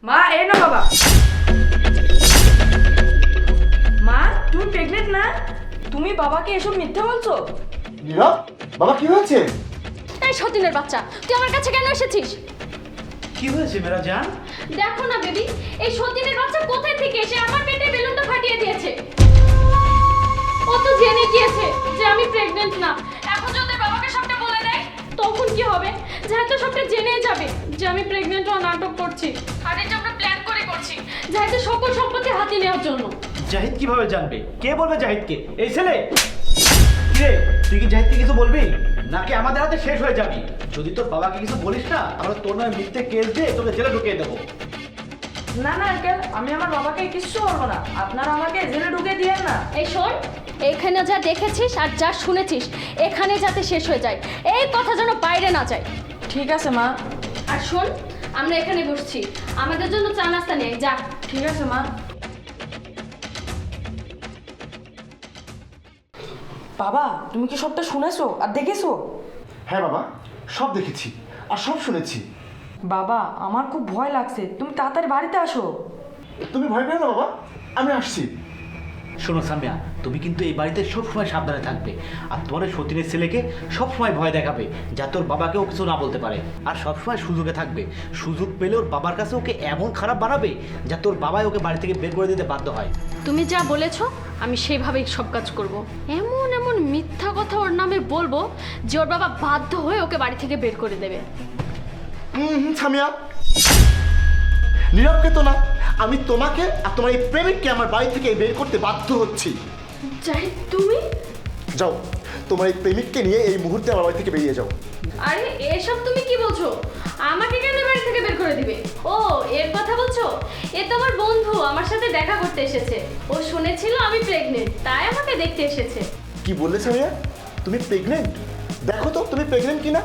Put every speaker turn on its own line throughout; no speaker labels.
মা এই না বাবা। মা তুমি প্রেগনেন্ট না? তুমি বাবাকে এসব মিথ্যে বলছো?
নীরব, বাবা কি হয়েছে?
এই সতীনের বাচ্চা, তুই আমার কাছে কেন এসেছিস?
কি হয়েছে মেরা জান?
দেখো না বেবি, এই সতীনের বাচ্চা কোথায় থেকে এসে আমার পেটে বেলুনটা ফাটিয়ে দিয়েছে। ও তো জেনে গিয়েছে যে আমি প্রেগন্যান্ট না। এখন যদি ওদের বাবাকে সবটা বলে দেয় তখন কি হবে? যেহেতু সবটা জেনে যাবে যে আমি প্রেগন্যান্ট হওয়ার নাটক করছি, আর এটা আমরা প্ল্যান করে করছি যেহেতু সকল সম্পত্তি হাতে নেওয়ার জন্য।
জাহিদ কিভাবে জানবে? কে বলবে জাহিদকে? এই ছেলে। কিরে, তুই কি জাহিদকে কিছু বলবি নাকি আমাদের হাতে শেষ হয়ে যাবি? যদি তোর বাবাকে কিছু বলিস না, আমরা তোর নামে মিথ্যে কেস দিয়ে তোকে জেলে ঢুকিয়ে দেবো।
না না আঙ্কেল, আমি আমার বাবাকে কিচ্ছু বলবো না। আপনারা আমাকে জেলে ঢুকে দিয়েন না।
এই শোন, এখানে যা দেখেছিস আর যা শুনেছিস এখানে যাতে শেষ হয়ে যায়, এই কথা যেন বাইরে না যায়।
ঠিক আছে মা।
আর শোন, আমরা এখানে বসছি, আমাদের জন্য চা নাস্তা নেই, যা।
ঠিক আছে মা। বাবা তুমি কি সবটা শুনেছো আর দেখেছো?
হ্যাঁ বাবা, সব দেখেছি আর সব শুনেছি।
বাবা আমার খুব ভয় লাগছে, তুমি তাড়াতাড়ি বাড়িতে আসো।
তুমি ভয় পেও না বাবা, আমি আসছি।
শোনো সামিয়া, তুমি কিন্তু এই বাড়িতে সবসময় সাবধানে থাকবে। আর তোমার ওই সতীনের ছেলেকে সবসময় ভয় দেখাবে, যা তোর বাবাকেও কিছু না বলতে পারে। আর সবসময় সুযোগে থাকবে, সুযোগ পেলে ওর বাবার কাছে ওকে এমন খারাপ বানাবে যা তোর বাবাই ওকে বাড়ি থেকে বের করে দিতে বাধ্য হয়।
তুমি যা বলেছো আমি সেইভাবেই সব কাজ করব। এমন এমন মিথ্যা কথা ওর নামে বলবো যে ওর বাবা বাধ্য হয়ে ওকে বাড়ি থেকে বের করে দেবে।
সামিয়া, নীরবকে তো না, আমি তোমাকে আর তোমার এই প্রেমিককে আমার বাড়ি থেকে বের করতে বাধ্য হচ্ছি।
যাই তুমি?
যাও, তোমার এই প্রেমিককে নিয়ে এই মুহূর্তে আমার বাড়ি থেকে বেরিয়ে যাও।
আরে এসব তুমি কি বলছো? আমাকে কেন বাড়ি থেকে বের করে দিবে? ও এর কথা বলছো? এ তো আমার বন্ধু, আমার সাথে দেখা করতে এসেছে। ও শুনেছিল আমি প্রেগনেন্ট, তাই আমাকে দেখতে এসেছে।
কি বললে সামিয়া? তুমি প্রেগনেন্ট? দেখো তো তুমি প্রেগনেন্ট কিনা।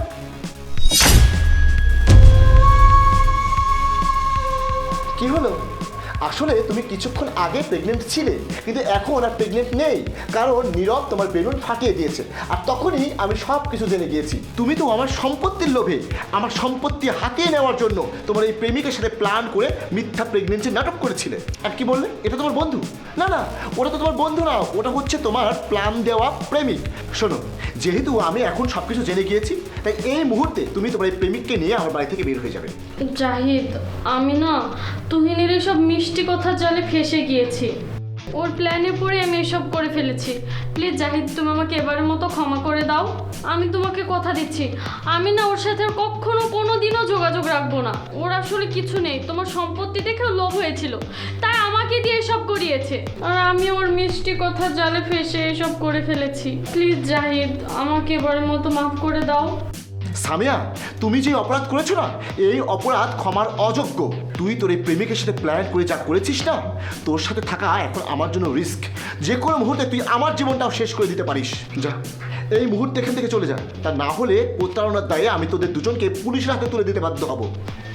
কি হলো? আসলে তুমি কিছুক্ষণ আগে প্রেগনেন্ট ছিলে, কিন্তু এখন আর প্রেগনেন্ট নেই, কারণ নীরব তোমার বেলুন ফাটিয়ে দিয়েছে। আর তখনই আমি সব কিছু জেনে গিয়েছি। তুমি তো আমার সম্পত্তির লোভে, আমার সম্পত্তি হাতিয়ে নেওয়ার জন্য তোমার এই প্রেমিকের সাথে প্ল্যান করে মিথ্যা প্রেগনেন্সি নাটক করেছিলে। আর কি বললে এটা তোমার বন্ধু? না না, ওটা তো তোমার বন্ধু না, ওটা হচ্ছে তোমার প্ল্যান দেওয়া প্রেমিক। শোনো, যেহেতু আমি এখন সব কিছু জেনে গিয়েছি, তাই এই মুহূর্তে তুমি তোমার এই প্রেমিককে নিয়ে আমার বাড়ি থেকে বের হয়ে যাবে।
জাহিদ, আমি না তুহিনের এসব মিষ্টি কথার জালে ফেসে গিয়েছি। ওর প্ল্যানে পড়ে আমি এসব করে ফেলেছি। প্লিজ জাহিদ, তুমি আমাকে এবারের মতো ক্ষমা করে দাও। আমি তোমাকে কথা দিচ্ছি, আমি না ওর সাথে আর কখনো কোনো দিনও যোগাযোগ রাখবো না। ওর আসলে কিছু নেই, তোমার সম্পত্তি দেখে লোভ হয়েছিল, তাই আমাকে দিয়ে এসব করিয়েছে। আর আমি ওর মিষ্টি কথার জালে ফেসে এসব করে ফেলেছি। প্লিজ জাহিদ, আমাকে এবারের মতো মাফ করে দাও।
সামিয়া, তুমি যে অপরাধ করেছো না, এই অপরাধ ক্ষমার অযোগ্য। তুই তোর এই প্রেমিকের সাথে প্ল্যান করে যা করেছিস না, তোর সাথে থাকা এখন আমার জন্য রিস্ক। যে কোনো মুহূর্তে তুই আমার জীবনটাও শেষ করে দিতে পারিস। যা, এই মুহূর্তে এখান থেকে চলে যা, তা না হলে প্রতারণার দায়ে আমি তোদের দুজনকে পুলিশের হাতে তুলে দিতে বাধ্য হব।